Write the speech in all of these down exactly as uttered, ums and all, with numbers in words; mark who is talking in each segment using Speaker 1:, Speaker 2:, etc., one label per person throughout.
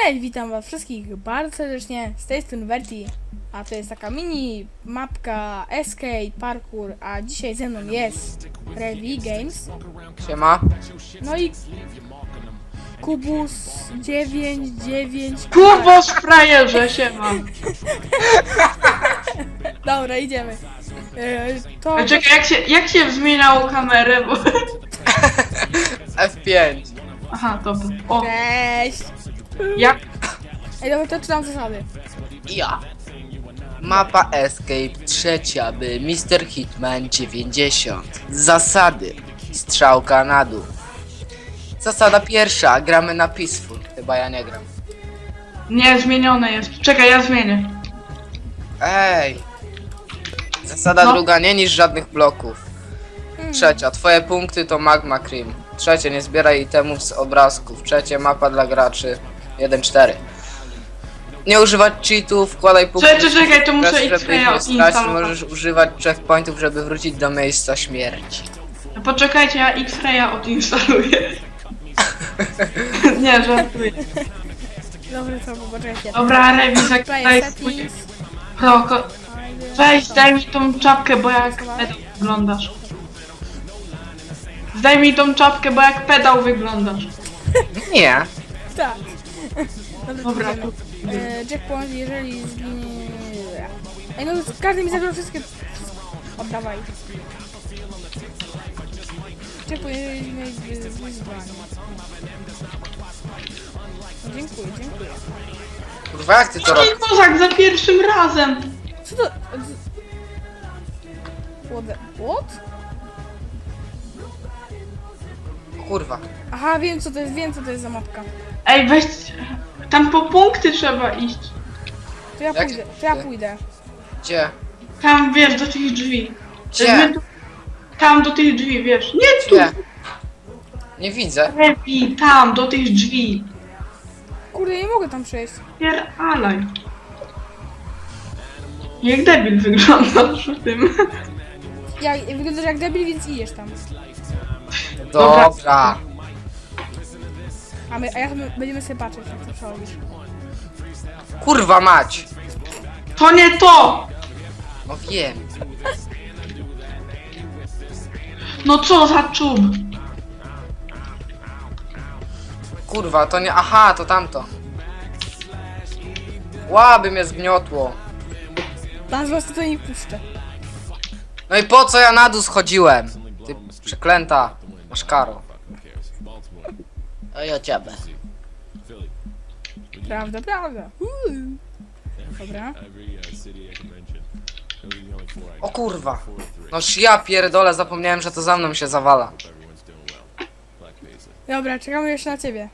Speaker 1: Cześć, witam was wszystkich bardzo serdecznie, z tej strony Verti, a to jest taka mini mapka Escape Parkour, a dzisiaj ze mną jest Revi Games.
Speaker 2: Siema.
Speaker 1: No i Kubus dziewięć dziewięć.
Speaker 3: Kubos frajerze, siema.
Speaker 1: Dobra, idziemy. E, to...
Speaker 3: Czekaj, jak się, jak się zmieniało kamerę, bo...
Speaker 2: F pięć.
Speaker 3: Aha, dobra. O,
Speaker 1: Cześć!
Speaker 3: jak?
Speaker 1: Ej, dobra, to czytam zasady.
Speaker 2: Ja. Mapa Escape trzecia, by mister Hitman dziewięćdziesiąt. Zasady. Strzałka na dół. Zasada pierwsza, gramy na Peaceful. Chyba ja nie gram.
Speaker 3: Nie, zmienione jest. Czekaj, ja zmienię.
Speaker 2: Ej. Zasada
Speaker 3: No.
Speaker 2: druga, nie niż żadnych bloków.
Speaker 1: Hmm.
Speaker 2: Trzecia, twoje punkty to Magma Cream. Trzecie, nie zbieraj itemów z obrazków. Trzecie, mapa dla graczy jeden cztery. Nie używać cheatów, wkładaj punkty.
Speaker 3: Czekaj, czekaj, to muszę
Speaker 2: Żeby ich
Speaker 3: X-raya
Speaker 2: nie stracić,
Speaker 3: odinstalować.
Speaker 2: możesz używać checkpointów, żeby wrócić do miejsca śmierci.
Speaker 3: Poczekajcie, ja X-raya odinstaluję. Nie, żartuję.
Speaker 1: Dobra, to poczekajcie.
Speaker 3: Dobra, Rewi,
Speaker 1: Player
Speaker 3: zakładaj swój
Speaker 1: settings.
Speaker 3: proko. Weź, daj mi tą czapkę, bo jak pedał wyglądasz. Zdaj mi tą czapkę, bo jak pedał wyglądasz.
Speaker 2: Nie.
Speaker 1: Tak.
Speaker 3: Dobra,
Speaker 1: idziemy. E, checkpoint, jeżeli zginie... Ej, no każdy mi zabrał wszystkie... Oddawaj. Checkpoint, jeżeli zginie wy- wyzwanie. No, dziękuję, dziękuję.
Speaker 2: Kurwa, jak ty to
Speaker 3: No
Speaker 2: robisz?
Speaker 3: i kozak za pierwszym razem.
Speaker 1: Co to... What the... What?
Speaker 2: Kurwa.
Speaker 1: Aha, wiem co to jest, wiem co to jest za mapka.
Speaker 3: Ej, weź... Tam po punkty trzeba iść.
Speaker 1: To ja
Speaker 2: Jak-
Speaker 1: pójdę, to ja pójdę.
Speaker 2: Gdzie?
Speaker 3: Tam, wiesz, do tych drzwi.
Speaker 2: Gdzie?
Speaker 3: My tu- Tam, do tych drzwi, wiesz. Nie tu!
Speaker 2: Gdzie? Nie widzę.
Speaker 3: Lepiej, tam, do tych drzwi.
Speaker 1: Kurde, nie mogę tam przejść.
Speaker 3: Pieralaj. Jak debil wyglądasz przy tym.
Speaker 1: Ja wyglądasz jak debil, więc idziesz tam.
Speaker 3: Dobra.
Speaker 2: Dobra.
Speaker 1: A my, a ja my będziemy sobie patrzeć, jak to przechodzisz.
Speaker 2: Kurwa mać.
Speaker 3: To nie to!
Speaker 2: No wiem.
Speaker 3: No co za czub?
Speaker 2: Kurwa, to nie... Aha, to tamto. Łaby mnie zgniotło.
Speaker 1: Tam z was to nie puszczę.
Speaker 2: No i po co ja na dół schodziłem? Ty przeklęta. Masz karo. A ja ciebie.
Speaker 1: Prawda, prawda. Uuu. Dobra.
Speaker 2: O kurwa. Noż ja pierdolę, zapomniałem, że to za mną się zawala.
Speaker 1: Dobra, czekamy jeszcze na ciebie.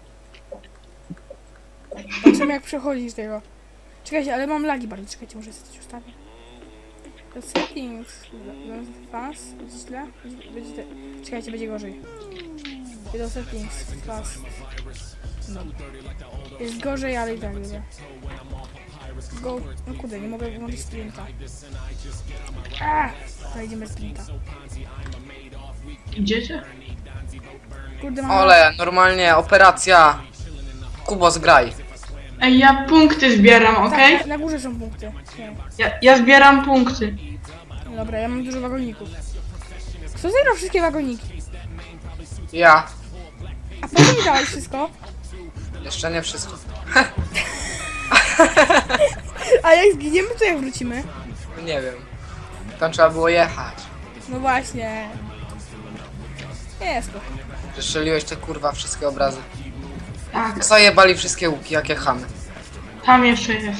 Speaker 1: Patrzymy jak przechodzisz tego. Czekajcie, ale mam lagi bardzo. Czekajcie, może sobie coś ustawię. To settings. Fast. Będzie źle? Będzie, będzie, czekajcie, będzie gorzej. Do settings. Fast. No. Jest gorzej, ale i tak dobra. Go. No kurde, nie mogę wyłączyć sprinta. A! To idziemy sprinta.
Speaker 3: Idziecie?
Speaker 1: Kurde, mam...
Speaker 2: Ole, normalnie operacja. Kubos graj.
Speaker 3: Ej, ja punkty zbieram, okej?
Speaker 1: Tak, na, na górze są punkty. Nie.
Speaker 3: Ja, ja zbieram punkty.
Speaker 1: Dobra, ja mam dużo wagoników. Kto zebrał wszystkie wagoniki?
Speaker 2: Ja.
Speaker 1: A po co mi dałeś wszystko?
Speaker 2: Jeszcze nie wszystko.
Speaker 1: A jak zginiemy, to jak wrócimy?
Speaker 2: Nie wiem. Tam trzeba było jechać.
Speaker 1: No właśnie. Jest to.
Speaker 2: Przestrzeliłeś te kurwa wszystkie obrazy.
Speaker 3: Tak,
Speaker 2: Zajebali wszystkie łuki, jakie chamy.
Speaker 3: tam jeszcze jest.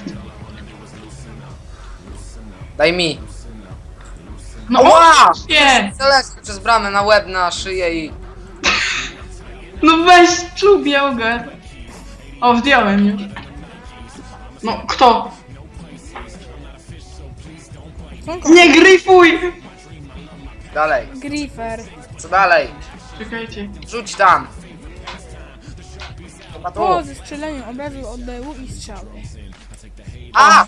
Speaker 2: Daj mi.
Speaker 3: No
Speaker 2: Ła!
Speaker 3: nie!
Speaker 2: Celesty przez bramę na łeb, na szyję i...
Speaker 3: No weź czubiał go. O, zdjąłem już. No, kto?
Speaker 1: Słonko.
Speaker 3: Nie gryfuj!
Speaker 2: Dalej.
Speaker 1: Griffer.
Speaker 2: Co dalej?
Speaker 3: Czekajcie.
Speaker 2: Rzuć tam. Chyba tu.
Speaker 1: Po zestrzeleniu obrazu oddechu i strzały.
Speaker 2: A!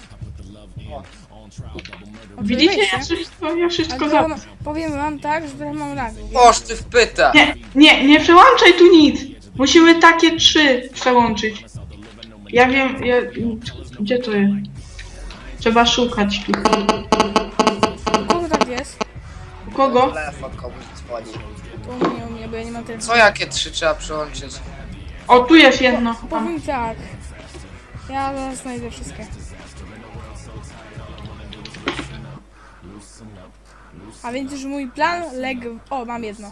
Speaker 3: Widzicie,
Speaker 1: Oczywiście.
Speaker 3: ja wszystko, ja wszystko
Speaker 1: Ale
Speaker 3: za...
Speaker 1: powiem, powiem wam tak, że trochę mam lagi.
Speaker 2: Oż ty w pytę.
Speaker 3: Nie, nie, nie przełączaj tu nic! Musimy takie trzy przełączyć. Ja wiem, ja... Gdzie to jest? Trzeba szukać.
Speaker 1: U kogo tak jest?
Speaker 3: U kogo?
Speaker 2: Telefon komuś dzwoni.
Speaker 1: To u mnie, u mnie, bo ja nie mam telefonu.
Speaker 2: Co jakie trzy trzeba przyłączyć?
Speaker 3: O, tu jest jedno. Tam.
Speaker 1: Powiem tak. Ja zaraz znajdę wszystkie. A więc już mój plan legł... O, mam jedno.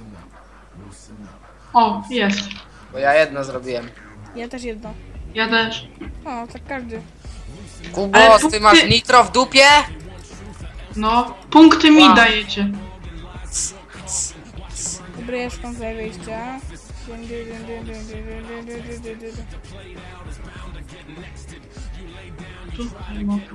Speaker 3: O, jest.
Speaker 2: Bo ja jedno zrobiłem.
Speaker 1: Ja też jedno.
Speaker 3: Ja też.
Speaker 1: O, tak każdy.
Speaker 2: Kubos,
Speaker 3: Ale
Speaker 2: ty
Speaker 3: punkty-
Speaker 2: masz nitro w dupie?
Speaker 3: No, punkty mi
Speaker 2: Wow.
Speaker 3: dajecie.
Speaker 1: Dobra, ja szukam tutaj wyjścia.
Speaker 3: Tutaj mogę.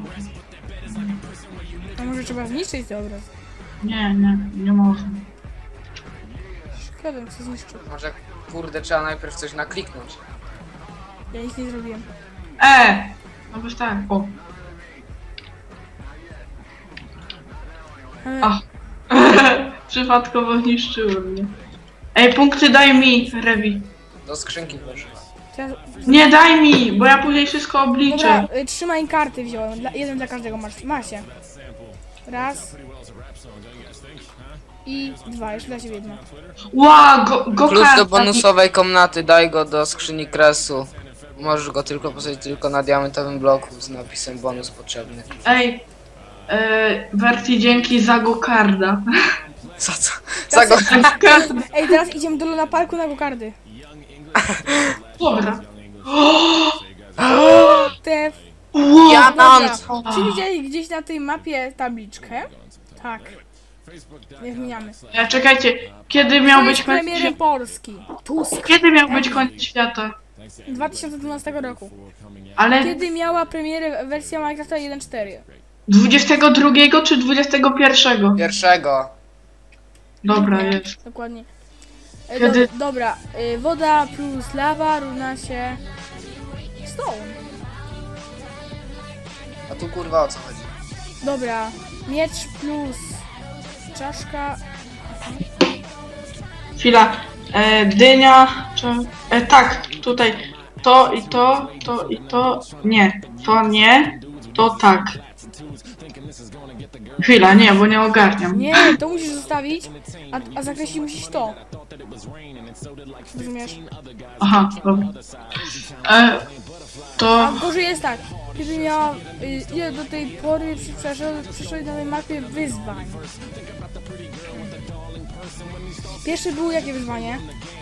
Speaker 1: A może trzeba zniszczyć ten obraz?
Speaker 3: Nie, nie, nie można.
Speaker 1: Szkoda, co zniszczył.
Speaker 2: Może kurde trzeba najpierw coś nakliknąć.
Speaker 1: Ja nic nie zrobiłem.
Speaker 3: E! No bez tak, o.
Speaker 1: Ale
Speaker 3: A. Przypadkowo zniszczyło mnie. Ej, punkty daj mi, Rewi.
Speaker 2: Do skrzynki proszę.
Speaker 1: teraz...
Speaker 3: Nie, daj mi, bo ja później wszystko obliczę.
Speaker 1: Dobra, y, trzymaj karty wziąłem. Dla, jeden dla każdego masz. Macie. Raz. I dwa, jeszcze dla ciebie jedno.
Speaker 3: Ła, go, go
Speaker 2: Klucz
Speaker 3: karta.
Speaker 2: do bonusowej komnaty, daj go do skrzyni kresu. Możesz go tylko posadzić tylko na diamentowym bloku z napisem bonus potrzebny.
Speaker 3: Ej, e, wersji dzięki za gokarda.
Speaker 2: Co co? Za go...
Speaker 1: Ej, teraz idziemy do Luna Parku na gokardy.
Speaker 3: Dobra.
Speaker 1: Te...
Speaker 3: Ło,
Speaker 2: Ja mam!
Speaker 1: Dobra. Czy widzieli gdzieś na tej mapie tabliczkę? Tak. Nie zmieniamy.
Speaker 3: e, czekajcie, kiedy miał
Speaker 1: To
Speaker 3: być
Speaker 1: jest
Speaker 3: koniec
Speaker 1: premierem
Speaker 3: świata?
Speaker 1: Polski. Tusk.
Speaker 3: Kiedy miał być koniec świata?
Speaker 1: dwa tysiące dwunastego roku.
Speaker 3: Ale
Speaker 1: Kiedy miała premierę wersja Minecrafta jeden cztery?
Speaker 3: dwudziestego drugiego czy dwudziestego pierwszego?
Speaker 2: Pierwszego.
Speaker 3: Dobra, jest.
Speaker 1: Dokładnie. E,
Speaker 3: Kiedy-
Speaker 1: do, dobra, y, woda plus lawa równa się stone.
Speaker 2: A tu kurwa o co chodzi?
Speaker 1: Dobra, miecz plus czaszka.
Speaker 3: Chwila. E, dynia, czy... E, tak, tutaj. To i to, to i to. Nie, to nie, to tak. Chwila, nie, bo nie ogarniam.
Speaker 1: Nie, to musisz zostawić, a, a zakreślić musisz to. Rozumiesz?
Speaker 3: Aha, dobra. E, to...
Speaker 1: A gorzej jest tak, kiedy miała, y, ile do tej pory przy- przeszło- przyszło na tej mapie wyzwań. Pierwsze było jakie wyzwanie?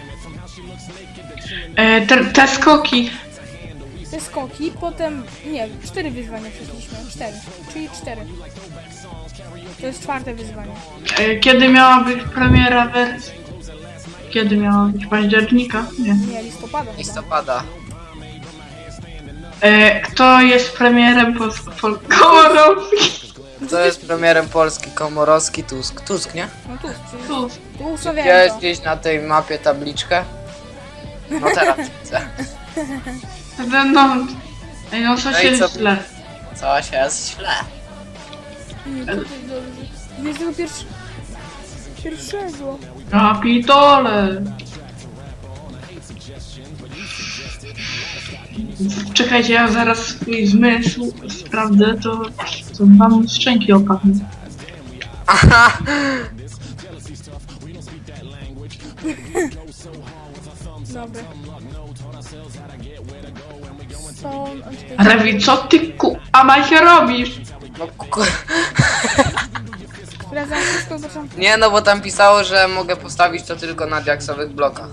Speaker 3: E, te, te skoki.
Speaker 1: Te skoki, potem, nie, cztery wyzwania przeszliśmy, cztery, czyli cztery. To jest czwarte wyzwanie.
Speaker 3: E, kiedy miała być premiera wersji? Kiedy miała być? Października? Nie.
Speaker 1: Nie, listopada chyba.
Speaker 2: Listopada.
Speaker 3: E, kto jest premierem Polski?
Speaker 2: To jest premierem Polski, Komorowski, Tusk. Tusk, nie?
Speaker 1: No tu, przecież
Speaker 3: Tu.
Speaker 1: tu ustawiałem
Speaker 2: Widziałeś
Speaker 1: to.
Speaker 2: gdzieś na tej mapie tabliczkę? No teraz widzę.
Speaker 3: No, no, ej, no co
Speaker 2: No i
Speaker 3: się
Speaker 2: co?
Speaker 3: źle.
Speaker 2: Coś jest źle.
Speaker 1: Nie, tutaj dobrze. dwudziestego pierwszego. Pierwszego.
Speaker 3: Kapitole! Czekajcie, ja zaraz swój zmysł sprawdzę, to, to wam szczęki opadną.
Speaker 2: Aha!
Speaker 1: Dobra. Stone, a czekaj.
Speaker 3: Rewi, co ty ku... A się robisz?
Speaker 2: No, ku...
Speaker 1: Sprawdzam wszystko od początku.
Speaker 2: Nie no, bo tam pisało, że mogę postawić to tylko na diaksowych blokach.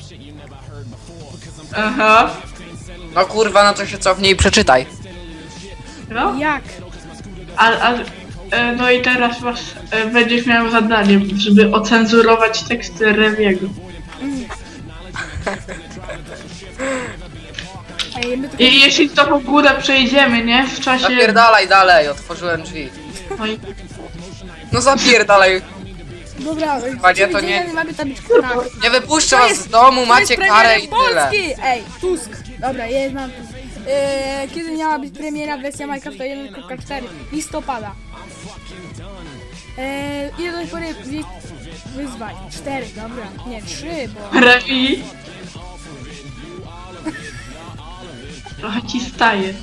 Speaker 3: Aha.
Speaker 2: No kurwa, no to się cofnij i przeczytaj.
Speaker 3: No,
Speaker 1: Jak?
Speaker 3: a, a, e, no i teraz was e, będziesz miał zadanie, żeby ocenzurować teksty Rewiego.
Speaker 1: Ej, my tylko...
Speaker 3: I jeśli to w ogóle przejdziemy, nie? W czasie...
Speaker 2: Zapierdalaj dalej, otworzyłem drzwi.
Speaker 3: No i...
Speaker 2: No zapierdalaj.
Speaker 1: Dobra,
Speaker 2: Panie, to
Speaker 1: czy
Speaker 2: nie-
Speaker 1: widzieli, mamy tabliczkę tak.
Speaker 2: Nie wypuszczę
Speaker 1: To
Speaker 2: was
Speaker 1: jest-
Speaker 2: z domu,
Speaker 1: To
Speaker 2: macie
Speaker 1: jest
Speaker 2: karę i
Speaker 1: premierem
Speaker 2: tyle.
Speaker 1: Polski! Ej, Tusk! Dobra, jest mam Tusk. Eee, kiedy miała być premiera wersja Minecrafta jeden cztery? Listopada. Eee, ile do tej pory wy- wyzwań? cztery, dobra. Nie, trzy, bo...
Speaker 3: Rewi... Trochę ci staje.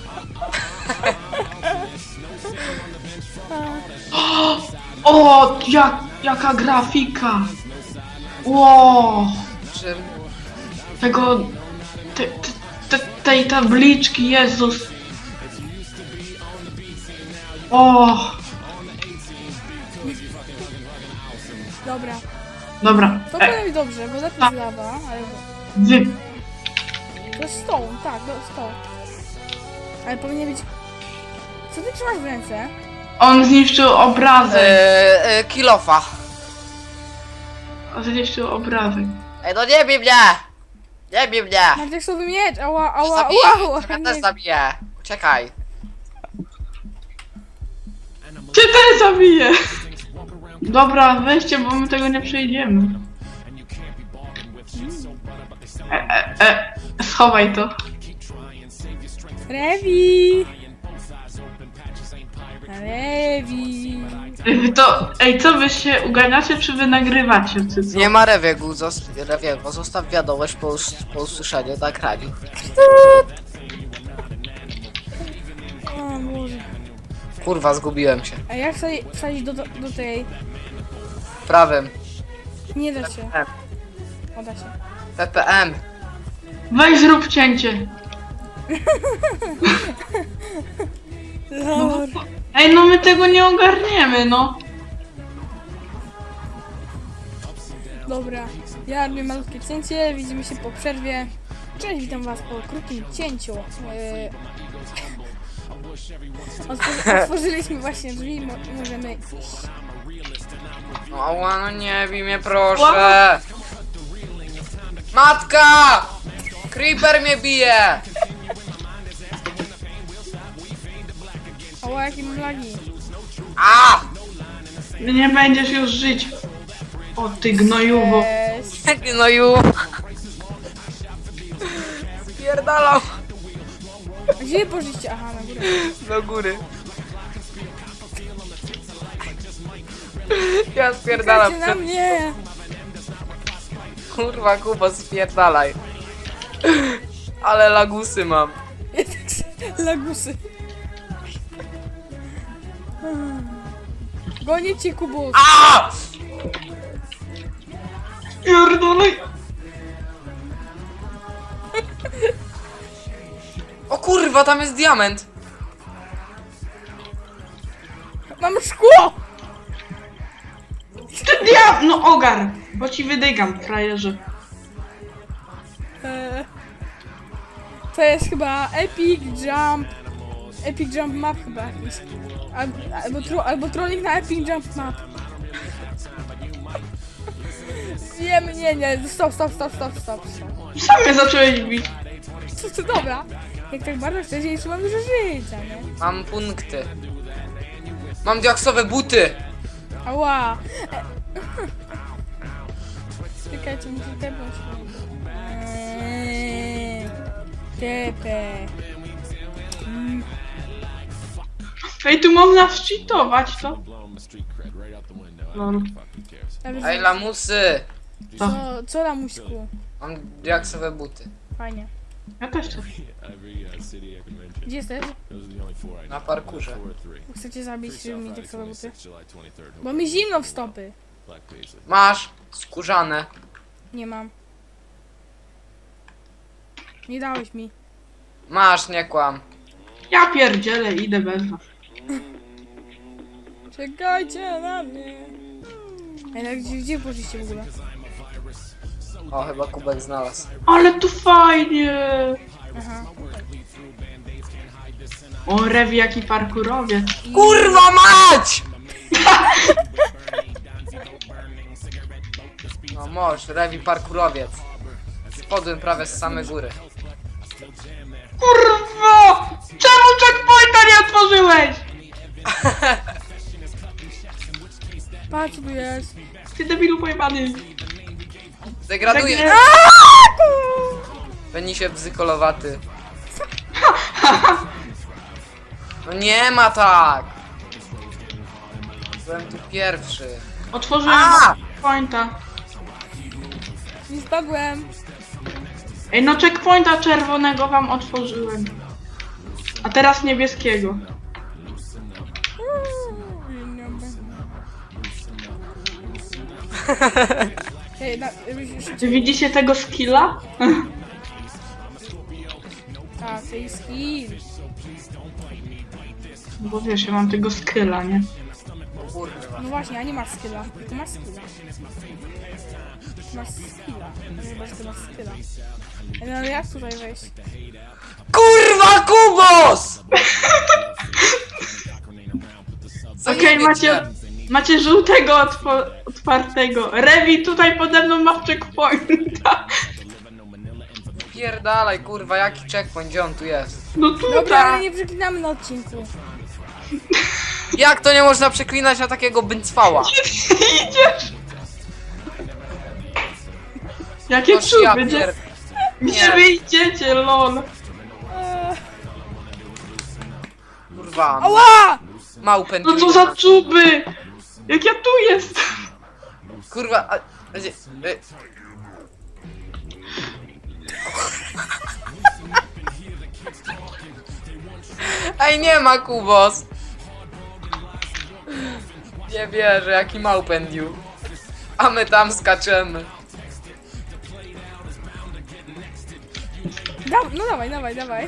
Speaker 3: O, jak, jaka grafika! Ło!
Speaker 2: Czym?
Speaker 3: Tego... Te, te, te, tej tabliczki, Jezus! O!
Speaker 1: Dobra.
Speaker 3: Dobra.
Speaker 1: To
Speaker 3: E,
Speaker 1: powinno być dobrze, bo lepiej
Speaker 3: tak.
Speaker 1: z lawa, ale...
Speaker 3: wy...
Speaker 1: To jest stone, tak, to jest stone. Ale powinien być... Co ty trzymasz w ręce?
Speaker 3: On zniszczył obrazek.
Speaker 2: Eee, e, kilofa.
Speaker 3: On zniszczył obrazek.
Speaker 2: Ej, no nie bij mnie! Nie bij mnie!
Speaker 1: Mam tekstowy miecz, ała, ała,
Speaker 2: Zabiję!
Speaker 1: ała, ała.
Speaker 2: Ja
Speaker 1: nie.
Speaker 2: też zabiję! Uciekaj!
Speaker 3: Ty też zabiję! Dobra, weźcie, bo my tego nie przejdziemy. E, e, e, schowaj to.
Speaker 1: Rewi! Rewi!
Speaker 3: Ej, to, ej, co wy się uganiacie, czy wy nagrywacie, czy co?
Speaker 2: Nie ma rewiegu, zos rewiego. Zostaw wiadomość po, us po usłyszeniu nagraniu.
Speaker 1: O Boże.
Speaker 2: Kurwa, zgubiłem się.
Speaker 1: A jak wsadzić wsadzić do, do, do tej...
Speaker 2: Prawym.
Speaker 1: Nie da się.
Speaker 2: M.
Speaker 1: O, da się.
Speaker 2: P P M.
Speaker 3: Weź zrób cięcie.
Speaker 1: Lord.
Speaker 3: Ej, no my tego nie ogarniemy, no.
Speaker 1: Dobra, ja robię malutkie cięcie, widzimy się po przerwie. Cześć, witam was po krótkim cięciu. Eee, Otworzy, otworzyliśmy właśnie drzwi, mo możemy iść.
Speaker 2: No, ała, no nie bij mnie, proszę! Matka! Creeper mnie bije!
Speaker 1: O, jakie mam lagi.
Speaker 2: A!
Speaker 3: Nie będziesz już żyć. O ty gnojuwo.
Speaker 1: Cześć.
Speaker 2: No ju! Spierdalam
Speaker 1: Gdzie poszliście? Aha, na górę.
Speaker 2: do góry. Ja spierdalam.
Speaker 1: Czekajcie na mnie!
Speaker 2: Kurwa, Kuba, spierdalaj. Ale lagusy mam.
Speaker 1: Lagusy. Gonię cię, Kubus.
Speaker 2: A!
Speaker 3: Pierdolej.
Speaker 2: O kurwa, tam jest diament.
Speaker 1: Mam szkło!
Speaker 3: Ty dia... No ogar, bo ci wydygam, frajerze.
Speaker 1: Eee, to jest chyba Epic Jump. Epic Jump Map chyba jakiś. Albo, albo, tro, albo trolling na Epic Jump Map. Wiem, nie, nie, stop, stop, stop, stop, stop, stop.
Speaker 3: Sam mnie zacząłeś bić.
Speaker 1: To, to dobra. Jak tak bardzo chcesz, jeszcze mam dużo życia, nie?
Speaker 2: Mam punkty. Mam diaksowe buty.
Speaker 1: Ała. E, Czekajcie, muszę tepnąć. Eee, Tepe. Mm.
Speaker 3: Ej, tu można wczytować to. Lol.
Speaker 1: Dobrze,
Speaker 2: Ej, lamusy.
Speaker 1: Co, co lamuśku?
Speaker 2: Mam diaksowe buty.
Speaker 1: Fajnie.
Speaker 3: Ja też chcę.
Speaker 1: Gdzie jesteś?
Speaker 2: Na parkurze.
Speaker 1: Chcecie zabić mi tak sobie buty? Bo mi zimno w stopy.
Speaker 2: Masz skórzane.
Speaker 1: Nie mam. Nie dałeś mi.
Speaker 2: Masz, nie kłam.
Speaker 3: Ja pierdzielę, idę bez was.
Speaker 1: Czekajcie na mnie. Ej, ale gdzie, gdzie poszliście w ogóle?
Speaker 2: O, chyba kubek znalazł.
Speaker 3: Ale tu fajnie.
Speaker 1: Aha.
Speaker 3: O, Rewi, jaki parkurowiec.
Speaker 2: Kurwa mać! No moż, rewi parkurowiec. Spadłem prawie z samej góry.
Speaker 3: Kurwa! Czemu checkpointa nie otworzyłeś?
Speaker 1: Patrz, co tu jest.
Speaker 3: Ty debilu pojebany.
Speaker 2: Degraduję.
Speaker 3: Tak nie-
Speaker 2: Penisie bzykolowaty. No nie ma tak! Byłem tu pierwszy.
Speaker 3: Otworzyłem
Speaker 2: A!
Speaker 3: checkpointa.
Speaker 1: Nie spadłem.
Speaker 3: Ej, no checkpointa czerwonego wam otworzyłem. A teraz niebieskiego.
Speaker 1: Ej, na,
Speaker 3: Czy widzicie tego skilla?
Speaker 1: tak, to jest skill.
Speaker 3: Bo wiesz, ja mam tego skilla, nie?
Speaker 2: Kurwa.
Speaker 1: No właśnie, a nie masz skilla. Ty masz skilla. Ty masz skilla. No chyba, że ty masz skilla. Ej, no ale jak tutaj wejść?
Speaker 2: Kurwa, Kubos! Co
Speaker 3: Okej,
Speaker 2: nie
Speaker 3: macie,
Speaker 2: wiecie?
Speaker 3: macie żółtego otwo- otwartego. Rewi tutaj pode mną ma checkpointa.
Speaker 2: Pierdalaj, kurwa, jaki checkpoint, gdzie on tu jest?
Speaker 3: No
Speaker 1: Dobra, ale
Speaker 3: tutaj.
Speaker 1: nie przeklinamy na odcinku.
Speaker 2: Jak to nie można przeklinać na takiego byncwała?
Speaker 3: Idziesz. Jakie
Speaker 2: Noż ja
Speaker 3: czuby,
Speaker 2: pier...
Speaker 3: gdzie
Speaker 2: Nie.
Speaker 3: wy idziecie, lol.
Speaker 1: Eee,
Speaker 2: Kurwa,
Speaker 1: ała!
Speaker 2: małpę.
Speaker 3: No co za czuby! Jak ja tu jestem?
Speaker 2: Kurwa, a... gdzie- y- Ej, nie ma Kubos! Nie wierzę, jaki małpędziu. A my tam skaczemy.
Speaker 1: Da, no dawaj, dawaj, dawaj.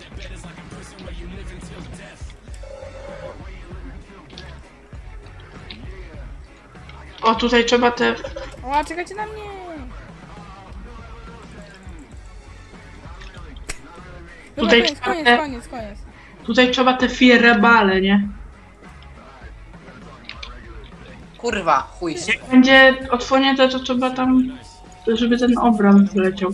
Speaker 3: O, tutaj trzeba te...
Speaker 1: Ała, czekajcie na mnie. Dobra,
Speaker 3: Tutaj
Speaker 1: koniec,
Speaker 3: trzeba
Speaker 1: koniec,
Speaker 3: te-
Speaker 1: koniec, koniec.
Speaker 3: Tutaj trzeba te firebale, nie?
Speaker 2: Kurwa, chuj.
Speaker 3: Jak będzie odsłonięte, to trzeba tam... Żeby ten obraz wleciał.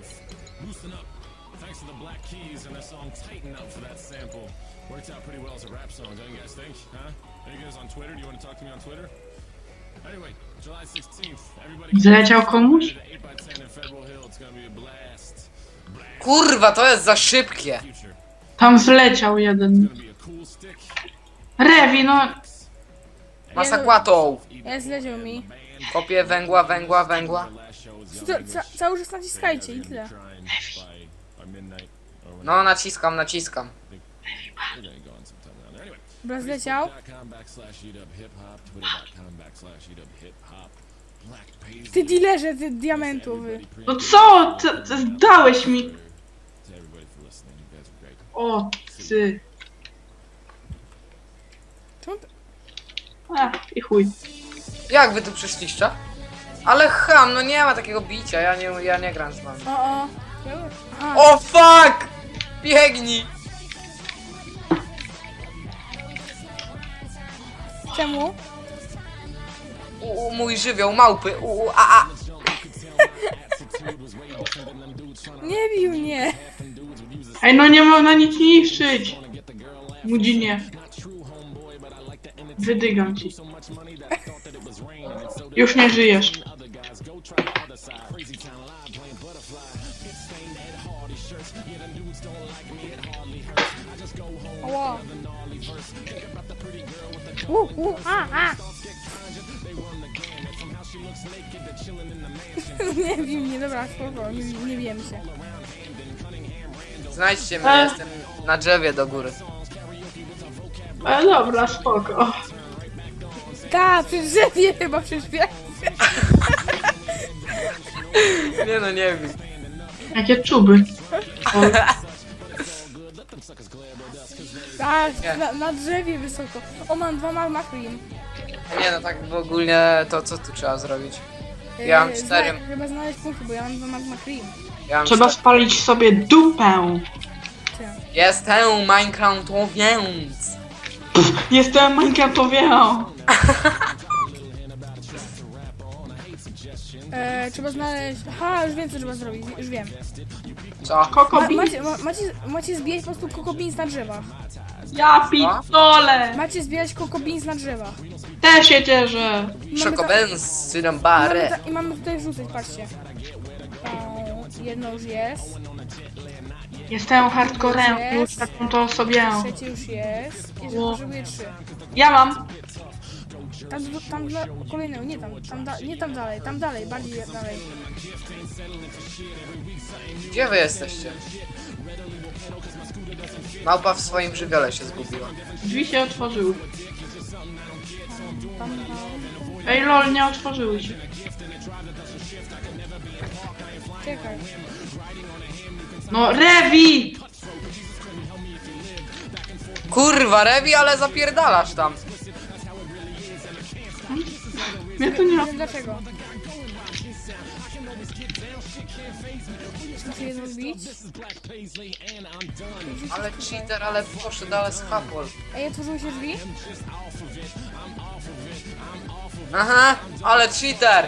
Speaker 4: Worked out pretty well as a rap song, don't you guys think? Huh? Are you guys on Twitter? Do you want to talk to me on Twitter? Anyway, July sixteenth, everybody
Speaker 3: Zleciał komuś?
Speaker 4: get eight by ten in Federal Hill. It's gonna be a blast.
Speaker 2: Kurwa, to jest za szybkie.
Speaker 4: Future.
Speaker 3: Tam zleciał jeden.
Speaker 4: Gonna be a cool stick.
Speaker 3: Rewi, no...
Speaker 2: Masakłatą.
Speaker 1: Ja zleciał mi.
Speaker 2: Kopię węgła, węgła, węgła.
Speaker 4: Last show is
Speaker 1: Ca, ca, cały czas naciskajcie i tyle.
Speaker 4: trying by, by midnight. Or when
Speaker 2: No, naciskam, naciskam.
Speaker 4: we're gonna go on sometime around there. Anyway,
Speaker 1: Dobra, zleciał.
Speaker 4: facebook.com backslash eat up hip hop, twitter.com backslash eat up hip hop, black paisley.
Speaker 1: Ty dealerze, ty diamentowy.
Speaker 3: No co? Ty, ty dałeś mi...
Speaker 4: To everybody for listening, you guys are great.
Speaker 3: O, ty.
Speaker 1: Czemu to...
Speaker 3: A, i chuj.
Speaker 2: Jak wy tu przyszliście? Ale ham, no nie ma takiego bicia, ja nie, ja nie gram z wami.
Speaker 1: O, o. Aha.
Speaker 2: O fuck! Biegnij!
Speaker 1: Czemu?
Speaker 2: U, u, mój żywioł, małpy, u, u, a, a.
Speaker 1: Nie bił mnie.
Speaker 3: Ej, no nie można nic niszczyć. Mudzinie. Wydygam ci. Już nie żyjesz.
Speaker 1: Ała. U, u, a, a. Nie bij mnie, dobra, spoko, nie, nie wiem się.
Speaker 2: Znajdźcie mnie,
Speaker 3: E.
Speaker 2: jestem na drzewie do góry.
Speaker 3: E, dobra, spoko.
Speaker 1: Ta, przy drzewie chyba przyszwie.
Speaker 2: Nie no, nie wiem.
Speaker 3: Jakie czuby. O,
Speaker 1: Tak,
Speaker 2: Nie.
Speaker 1: na, na drzewie wysoko. O, mam dwa magma cream.
Speaker 2: Nie no, tak w ogóle to co tu trzeba zrobić? Ja mam
Speaker 1: Yy,
Speaker 2: cztery.
Speaker 1: zna- Chyba znaleźć punkty, bo ja mam dwa magma cream.
Speaker 2: Ja mam
Speaker 3: trzeba
Speaker 2: cztery.
Speaker 3: spalić sobie dupę.
Speaker 2: Jestem Minecraftowiec.
Speaker 3: Jestem Minecraftowią.
Speaker 1: E, trzeba znaleźć... Aha, już wiem co trzeba zrobić, już wiem.
Speaker 2: Co?
Speaker 1: Ma,
Speaker 3: Kokobi.
Speaker 1: macie, ma, macie, macie zbierać po prostu kokobins na drzewach.
Speaker 3: Ja pitole.
Speaker 1: Macie zbierać kokobins na drzewach.
Speaker 3: Też się cieszę.
Speaker 1: I mamy ta-
Speaker 2: Szokobens,
Speaker 1: mamy
Speaker 2: Syrambare.
Speaker 1: ta- I mamy tutaj wrzucać, patrzcie. O, jedno już jest,
Speaker 3: Jestem hardcorem. Już taką to sobie.
Speaker 1: trzecie już jest. Jeszcze
Speaker 3: O.
Speaker 1: potrzebuję trzy.
Speaker 3: Ja mam.
Speaker 1: Tam, tam dla kolejnego, nie tam, tam da, nie tam dalej, tam dalej, bardziej dalej.
Speaker 2: Gdzie wy jesteście? Małpa w swoim żywiole się zgubiła.
Speaker 3: Drzwi się otworzyły.
Speaker 1: Tam, tam,
Speaker 3: Ej lol, nie otworzyły się.
Speaker 1: czekaj.
Speaker 3: No Revi!
Speaker 2: Kurwa, Rewi, ale zapierdalasz tam.
Speaker 3: Mnie to nie...
Speaker 1: Nie wiem dlaczego. Muszę je zrobić.
Speaker 2: Ale cheater, ale poszedł, ale schapol.
Speaker 1: Ej, otworzyły się drzwi?
Speaker 2: Aha, ale cheater.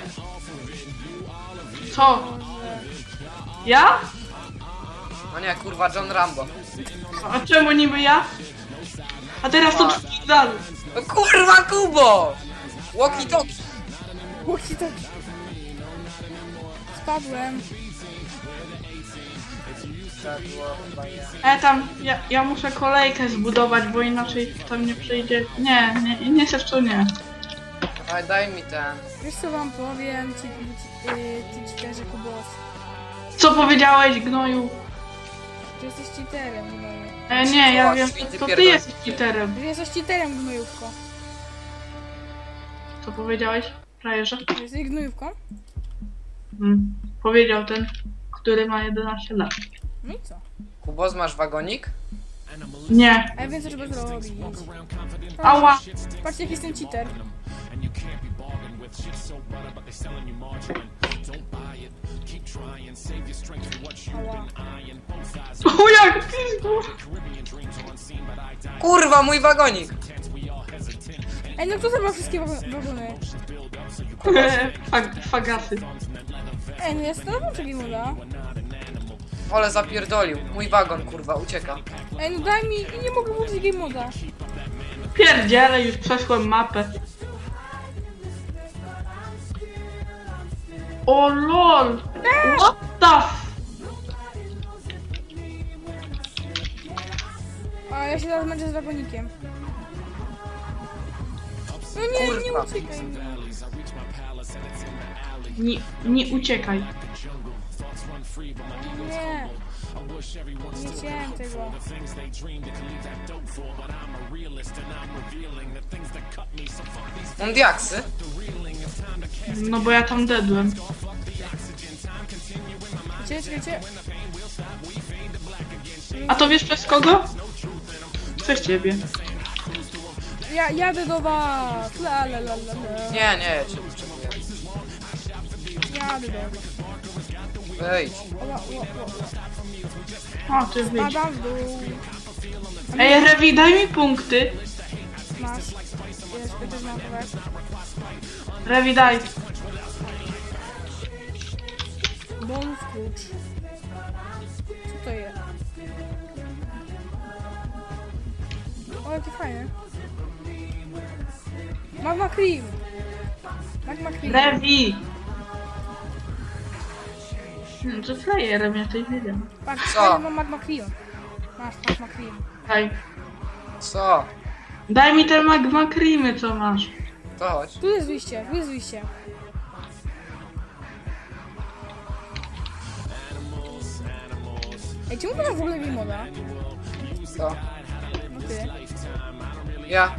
Speaker 3: Co? Ja?
Speaker 2: No nie, kurwa, John Rambo.
Speaker 3: A czemu niby ja? A teraz to drzwi dalej.
Speaker 2: No kurwa, Kubo! Walkie talkie.
Speaker 1: Łuki to... Spadłem.
Speaker 3: E tam, ja, ja muszę kolejkę zbudować, bo inaczej tam nie przyjdzie. Nie, nie, nie chcesz to nie.
Speaker 2: Daj, daj mi ten.
Speaker 1: Wiesz co wam powiem, ci, ci, yy, ci cheaterze Kubos.
Speaker 3: Co powiedziałeś, gnoju?
Speaker 1: Że jesteś cheaterem, gnoju.
Speaker 3: E, nie, ja
Speaker 2: O,
Speaker 3: wiem,
Speaker 2: święty
Speaker 3: to ty
Speaker 2: pierdol-
Speaker 3: jesteś cheaterem.
Speaker 1: Że jesteś cheaterem, gnojówko.
Speaker 3: Co powiedziałeś, frajerze?
Speaker 1: Że jesteś gnojówką?
Speaker 3: Hmm. Powiedział ten, który ma jedenaście lat.
Speaker 1: No i co?
Speaker 2: Kubos, masz wagonik?
Speaker 3: Nie.
Speaker 1: A ja wiem co trzeba zrobić.
Speaker 3: Ała!
Speaker 1: Patrzcie jak jestem cheater. Ała.
Speaker 3: O jak pizdu!
Speaker 2: Kurwa, mój wagonik!
Speaker 1: Ej, no kto zabrał wszystkie wago- wagony?
Speaker 3: Fag, fagasy.
Speaker 1: Ej, no ja stanowię czego moda.
Speaker 2: Ale zapierdolił. Mój wagon, kurwa, ucieka.
Speaker 1: Ej, no daj mi i nie mogę włączyć game moda.
Speaker 3: Pierdziele, już przeszłem mapę. O lol! What the f...
Speaker 1: A ja się teraz męczę z wagonikiem. No nie, nie
Speaker 2: Kurwa.
Speaker 1: uciekaj.
Speaker 3: Nie, nie uciekaj.
Speaker 1: Nie. Nie chciałem tego.
Speaker 2: Mam diaksy.
Speaker 3: No bo ja tam dedłem.
Speaker 1: Czekajcie, czekajcie.
Speaker 3: A to wiesz przez kogo? Przez ciebie.
Speaker 1: Ja jadę do was. La la la la la.
Speaker 2: Nie, nie, ja cię potrzebuję.
Speaker 1: Jadę do was.
Speaker 2: Wejdź.
Speaker 1: Oła, oła, oła.
Speaker 3: O, ty wyjdź.
Speaker 1: Padam w dół.
Speaker 3: Ej, Revi, daj mi punkty.
Speaker 1: Masz. Jest, to też mam powiem.
Speaker 3: Revi, daj.
Speaker 1: Bonus klucz. Co to jest? O, jakie fajne. Magma cream. Magma cream.
Speaker 3: Revi! Hmm, to frajerem, ja tej wiedziałem.
Speaker 1: Patrz,
Speaker 2: Co?
Speaker 1: fajnie, mam magma cream. Masz magma cream.
Speaker 3: Daj.
Speaker 2: Co?
Speaker 3: Daj mi te magma creamy, co masz.
Speaker 2: To chodź.
Speaker 1: Tu jest wyjście, tu jest wyjście. Ej, czemu to masz w ogóle game moda?
Speaker 2: Co?
Speaker 1: No ty.
Speaker 2: Ja.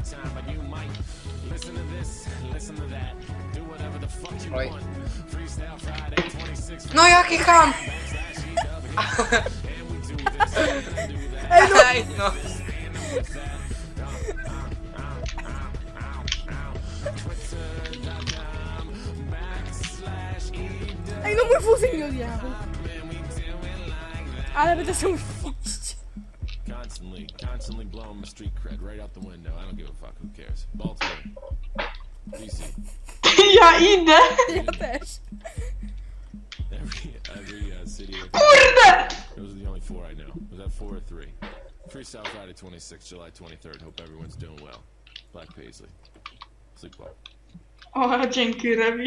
Speaker 2: Oj. No jaki ham! Ej no!
Speaker 1: Ej, no mój wózek mi odjechał. Ale będę sobie iść.
Speaker 4: Constantly, constantly blowing my street cred right out the window. I don't give a fuck. Who cares? Baltimore, D C.
Speaker 3: Ja idę!
Speaker 1: Ja też.
Speaker 4: Every every uh, city.
Speaker 3: Kurde!
Speaker 4: Those are the only four I know. Was that four or three? Freestyle Friday twenty-sixth, July twenty-third. Hope everyone's doing well. Black Paisley. Sleep well.
Speaker 3: O, dzięki, Revi.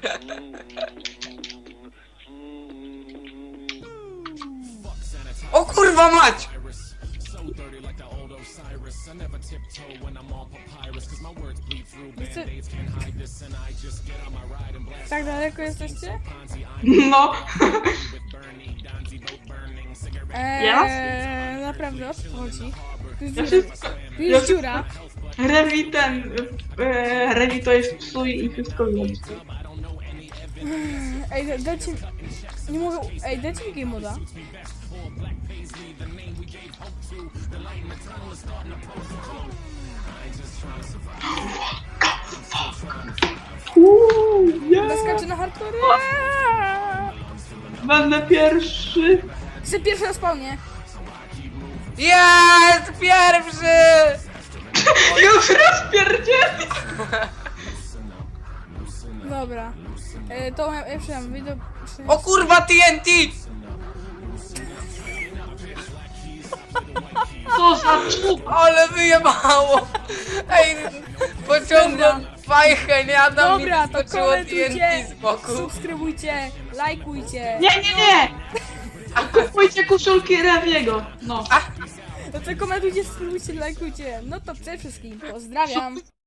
Speaker 2: O Kurwa mać!
Speaker 1: Wiecie- Tak daleko jesteście?
Speaker 3: No.
Speaker 1: Eee, naprawdę, o co tu chodzi? Tu jest
Speaker 3: Ja
Speaker 1: dziura.
Speaker 3: wszystko...
Speaker 1: Tu
Speaker 3: Ja
Speaker 1: jest
Speaker 3: wszystko...
Speaker 1: dziura.
Speaker 3: Rewi ten... E, Rewi to jest psuj i wszystko wiem.
Speaker 1: Ej, da- dajcie mi... Nie mogę... Ej, dajcie mi game moda.
Speaker 3: Uuu, yeah.
Speaker 1: Naskaczę na hardcore.
Speaker 3: Będę pierwszy.
Speaker 1: Chcę pierwszy na spawnie.
Speaker 2: Jest pierwszy!
Speaker 3: Już rozpierdzieli.
Speaker 1: Dobra. E, to ja, ja przydam, wyjdę...
Speaker 2: O kurwa T N T!
Speaker 3: Co za czub.
Speaker 2: Ale wyjebało! Ej, pociągłem fajkę, nie Adam mi
Speaker 1: Dobra, to
Speaker 2: skoczyło T N
Speaker 1: komentujcie,
Speaker 2: T z boku.
Speaker 1: subskrybujcie, lajkujcie.
Speaker 3: Nie, nie, nie. Kupujcie koszulki Rewiego. No.
Speaker 1: No to komentujcie, subskrybujcie, lajkujcie. No to przede wszystkim pozdrawiam.